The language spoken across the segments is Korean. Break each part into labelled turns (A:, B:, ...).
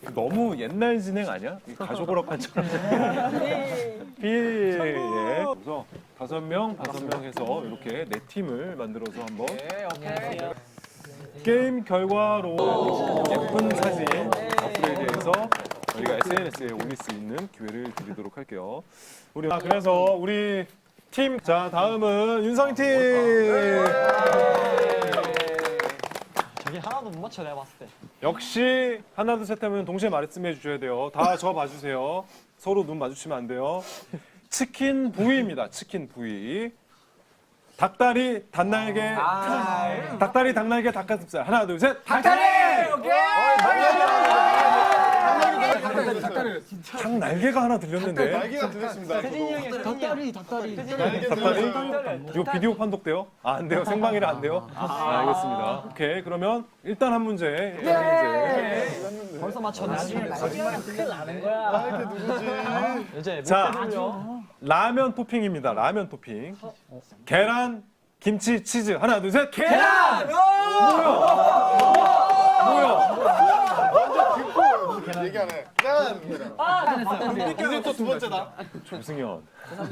A: 너무 옛날 진행 아니야? 가족 오락관처럼. 필. 예. 그래서 5명 해서 이렇게 4팀을 만들어서 한번 게임 결과로 예쁜 사진 업그레이드해서 저희가 SNS에 올릴 수 있는 기회를 드리도록 할게요. 그래서 우리 팀, 자 다음은 윤성이 팀.
B: 저기 하나도 못 맞춰 내가 봤을 때.
A: 역시 하나 둘 셋 하면 동시에 말씀해 주셔야 돼요. 다 저 봐주세요. 서로 눈 마주치면 안 돼요. 치킨 부위입니다. 치킨 부위. 닭다리, 닭날개, 닭다리, 닭날개, 닭가슴살. 하나 둘 셋. 닭다리. 오케이. 닭날개가 하나 들렸는데.
C: 날개가 들렸습니다.
B: 닭다리.
A: 닭다리? 이거 비디오 판독돼요? 안 돼요. 생방이라 안 돼요? 알겠습니다. 오케이. 그러면 일단 한 문제.
B: 벌써 맞췄네.
C: 큰일 나는 거야. 누구지?
B: 이제
A: 자, 라면 토핑입니다. 라면 토핑. 계란, 김치, 치즈. 하나, 둘, 셋. 계란!
C: 얘기하네. 이제 또 두 번째다.
A: 조승현.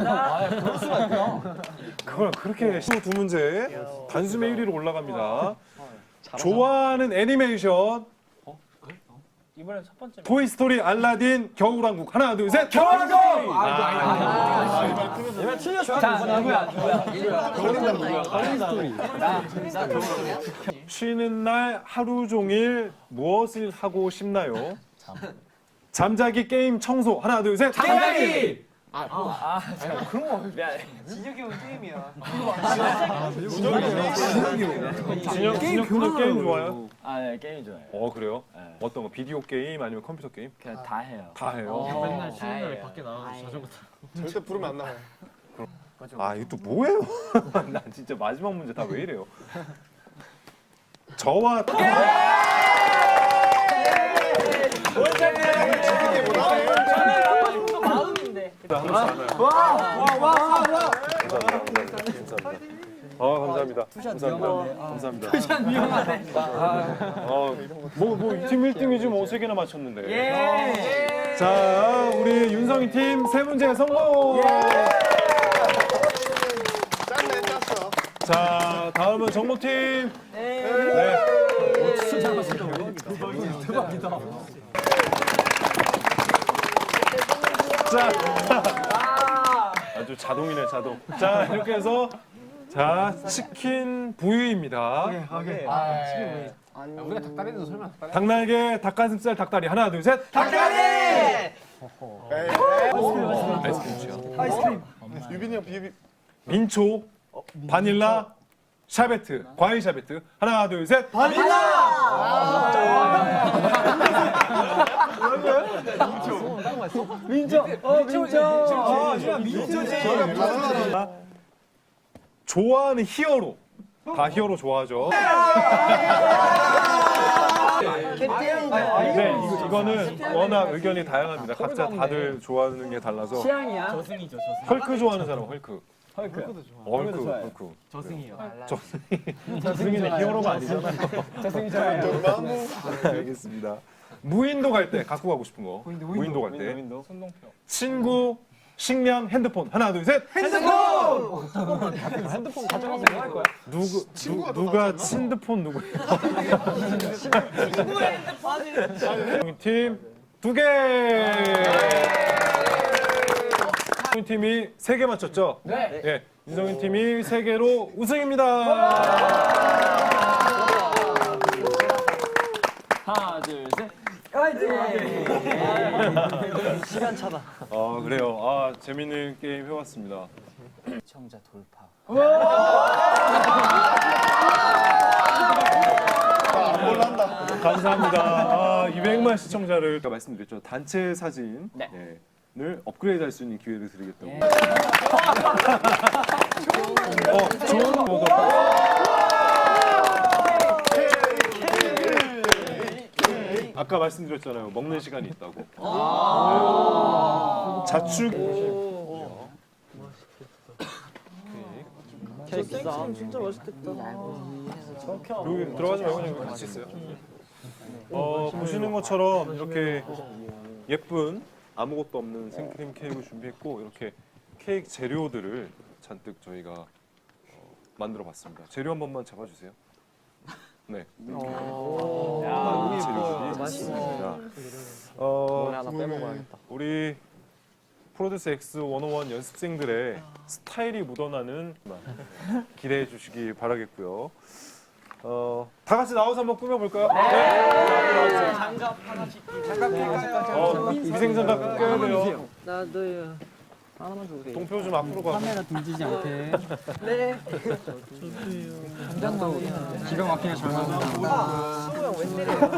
A: 그걸 그렇게 12문제 단숨에 1위로 올라갑니다. 좋아하는 애니메이션.
D: 이번엔 첫 번째.
A: 토이스토리, 알라딘, 겨울왕국. 하나, 둘, 셋. 겨울왕국!
B: 얘가 틀렸어. 자, 누구야?
A: 쉬는 날 하루 종일 무엇을 하고 싶나요? 잠자기, 게임, 청소. 하나, 둘, 셋.
B: 잠자기!
D: 진혁이 형 게임이야.
A: 진혁 게임 좋아요?
E: 아, 네, 게임 좋아해요.
A: 그래요? 어떤 거? 비디오 게임 아니면 컴퓨터 게임?
E: 그냥 다 해요.
A: 다 해요.
D: 맨날 쉬는 날에 밖에 나가서 자전거 타고.
C: 절대 부르면 안 나와요.
A: 아, 이거 또 뭐예요? 난 진짜 마지막 문제 다 왜 이래요? 저와
D: 마음인데.
A: 감사합니다. 감사합니다. 투샷 위험하네. 뭐팀 1등이지 뭐 3개나 맞췄는데. 자, 우리 윤성이 팀 3문제 성공.
C: 짰네, 짰어.
A: 자, 다음은 정모팀. 네. 대박이다. 자, 아주 자동이네, 자동. 자, 이렇게 해서 자, 치킨 부위입니다.
D: 우리가 닭다리도 설마 닭다리?
A: 닭날개, 닭가슴살, 닭다리. 하나, 둘, 셋. 아이스크림.
C: 유빈이 형 비비.
A: 민초, 바닐라, 샤베트, 과일 샤베트. 하나, 둘, 셋. 좋아하는 히어로. 다 히어로 좋아하죠. 네, 이거는 워낙 의견이 다양합니다. 각자 다들 좋아하는 게 달라서.
B: 취향이야.
D: 저승이죠, 저승.
A: 헐크 좋아하는 사람, 헐크. 헐크.
D: 저승이요.
A: 저승이는 히어로가 아니잖아요. 알겠습니다. 무인도 갈 때 갖고 가고 싶은 거. 무인도 갈 때.
D: 손동표.
A: 친구, 식량, 핸드폰. 하나, 둘, 셋.
B: 핸드폰 가져가서 뭐 할 거야?
A: 누가 핸드폰 누구예요? 팀 2개. 윤성인 팀이 3개 맞췄죠?
B: 네.
A: 예. 윤성인 팀이 3개로 우승입니다.
E: 하나, 둘, 셋.
B: 시간 차다.
A: 그래요. 재밌는 게임 해봤습니다.
E: 시청자 돌파.
C: 안 몰란다.
A: 감사합니다. 200만 시청자를 아까 말씀드렸죠. 단체 사진을
E: 네.
A: 업그레이드 할 수 있는 기회를 드리겠다고. 좋은 거 아까 말씀드렸잖아요. 먹는 시간이 있다고. 자축.
B: 케이크 진짜 맛있겠다.
A: 여기 들어가지 말고 그냥 여기 같이 있어요. 보시는 것처럼 이렇게 예쁜 아무것도 없는 생크림 케이크를 준비했고 이렇게 케이크 재료들을 잔뜩 저희가 만들어 봤습니다. 재료 한 번만 잡아주세요. 네. 재료들이 있습니다.
B: 하나 빼먹어야겠다.
A: 우리 프로듀스 X101 연습생들의 스타일이 묻어나는 기대해 주시기 바라겠고요. 다 같이 나와서 한번 꾸며볼까요? 네.
B: 장갑 하나씩. 장갑 낄까요?
A: 위생장갑 껴야 돼요.
B: 나도요. 하나만 줘도 돼.
A: 동표 좀 앞으로 가.
F: 카메라 등지지 않게.
B: 네.
F: 기가 막히게 잘 나온다.
B: 왜 때려요?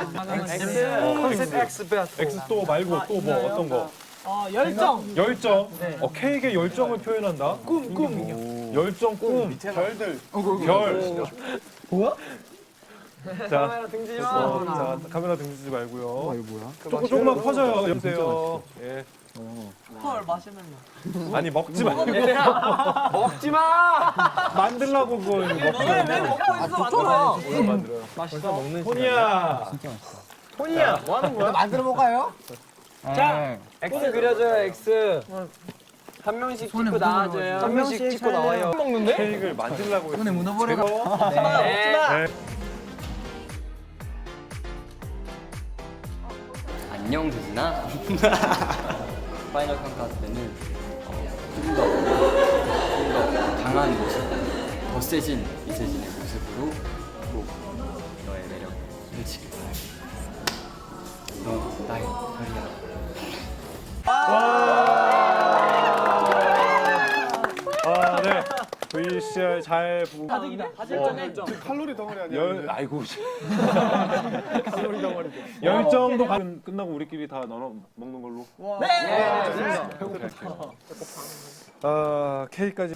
B: 컨셉 X 베스트.
A: X 또 말고 또 뭐 어떤 거?
D: 열정.
A: 열정. 케이크의 열정을 표현한다.
D: 꿈.
A: 열정 꿈.
C: 별들.
A: 별.
B: 뭐야?
A: 자,
B: 카메라 등지지 마.
A: 자, 카메라 등지지 말고요.
F: 이거 뭐야?
A: 조금만 커져요. 여보세요. 예.
D: 헐 마시멜로.
A: 아니 먹지 마.
B: 먹지 마.
A: 만들라고 그거 먹지
D: 왜 먹고 있어 만들어.
A: 뭘 만들어요?
B: 맛있어. 먹는
A: 토니야.
F: 진짜 맛있어.
B: 폰이야. 뭐 하는 거야?
D: 만들어 볼까요?
F: 자,
B: X 그려줘요. X. 한 명씩 찍고 나와줘요. 한 명씩 찍고 나와요. 먹는데?
A: 케이크를 만들라고
F: 손에 묻어버려.
A: 네.
G: 안녕 대진아. 파이널 카운트 때는 좀 더 강한 모습, 더 세진 이세진의 모습으로 꼭 너의 매력을 펼치길 바래. 너 나의 별이야.
A: 네. VCR 잘 보고.
C: 칼로리 덩어리 아니야?
A: 아이고. 열정도 끝나고 우리끼리 다 나눠 먹는 걸로.
B: 네.
A: 케이크까지.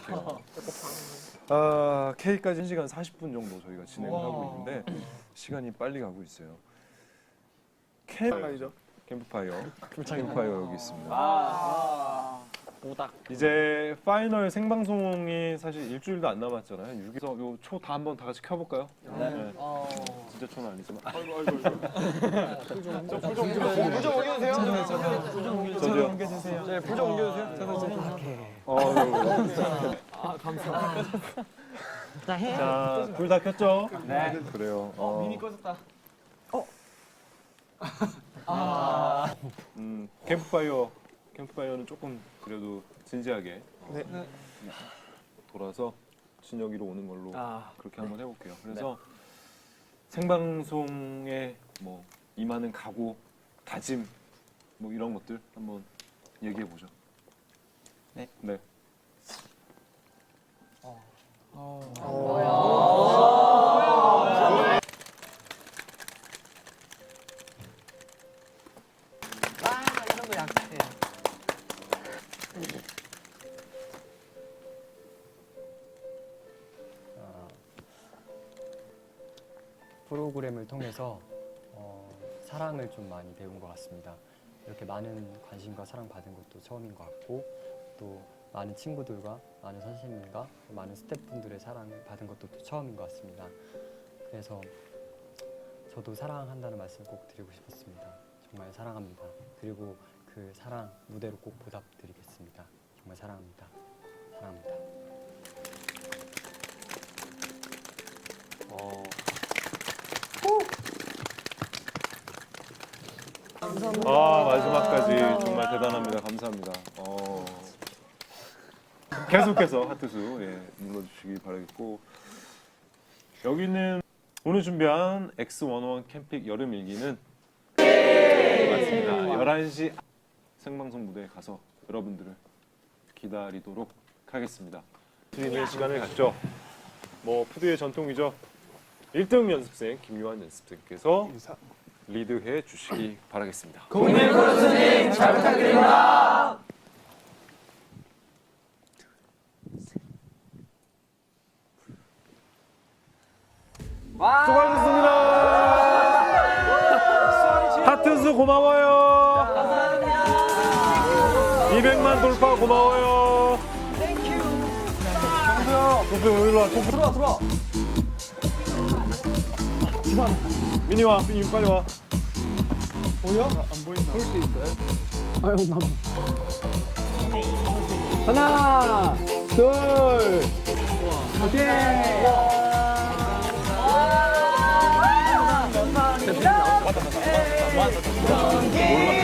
A: 케이크까지 1시간 40분 정도 저희가 진행을 하고 있는데 시간이 빨리 가고 있어요.
C: 아니죠?
A: 캠프파이어 여기 있습니다. 이제 파이널 생방송이 사실 일주일도 안 남았잖아요. 6일에서 요 초 다 한번 다 같이 켜볼까요? 네. 진짜 초는 아니지만.
B: 부정 옮겨주세요.
A: 저도요.
B: 네, 부정 옮겨주세요.
A: 자, 불 다 켰죠? 네. 그래요.
D: 미니 꺼졌다.
A: 캠프파이어는 조금 그래도 진지하게 돌아서 진혁이로 오는 걸로 그렇게 한번 해볼게요. 그래서 생방송에 뭐 임하는 각오, 다짐 뭐 이런 것들 한번 얘기해 보죠. 네.
D: 이런 거 약해.
G: 프로그램을 통해서 사랑을 좀 많이 배운 것 같습니다. 이렇게 많은 관심과 사랑 받은 것도 처음인 것 같고 또 많은 친구들과 많은 선생님과 많은 스태프분들의 사랑을 받은 것도 또 처음인 것 같습니다. 그래서 저도 사랑한다는 말씀 꼭 드리고 싶었습니다. 정말 사랑합니다. 그리고 그 사랑 무대로 꼭 보답드리겠습니다. 정말 사랑합니다. 사랑합니다.
A: 마지막까지 정말 대단합니다. 감사합니다. 계속해서 하트수 눌러주시기 바라겠고 여기는 오늘 준비한 X101 캠핑 여름 일기는 맞습니다. 11시 생방송 무대에 가서 여러분들을 기다리도록 하겠습니다. 드리는 시간을 갖죠. 뭐 푸드의 전통이죠. 1등 연습생 김유한 연습생께서 리드해 주시기 바라겠습니다.
B: 국민 프로듀서님 잘 부탁드립니다.
A: 수고하셨습니다. 하트수 고마워요. 200만 돌파 고마워요. 동표 일로 와.
B: 들어와.
A: 민이 와, 민이 빨리 와.
B: 하나, 둘, 오케이.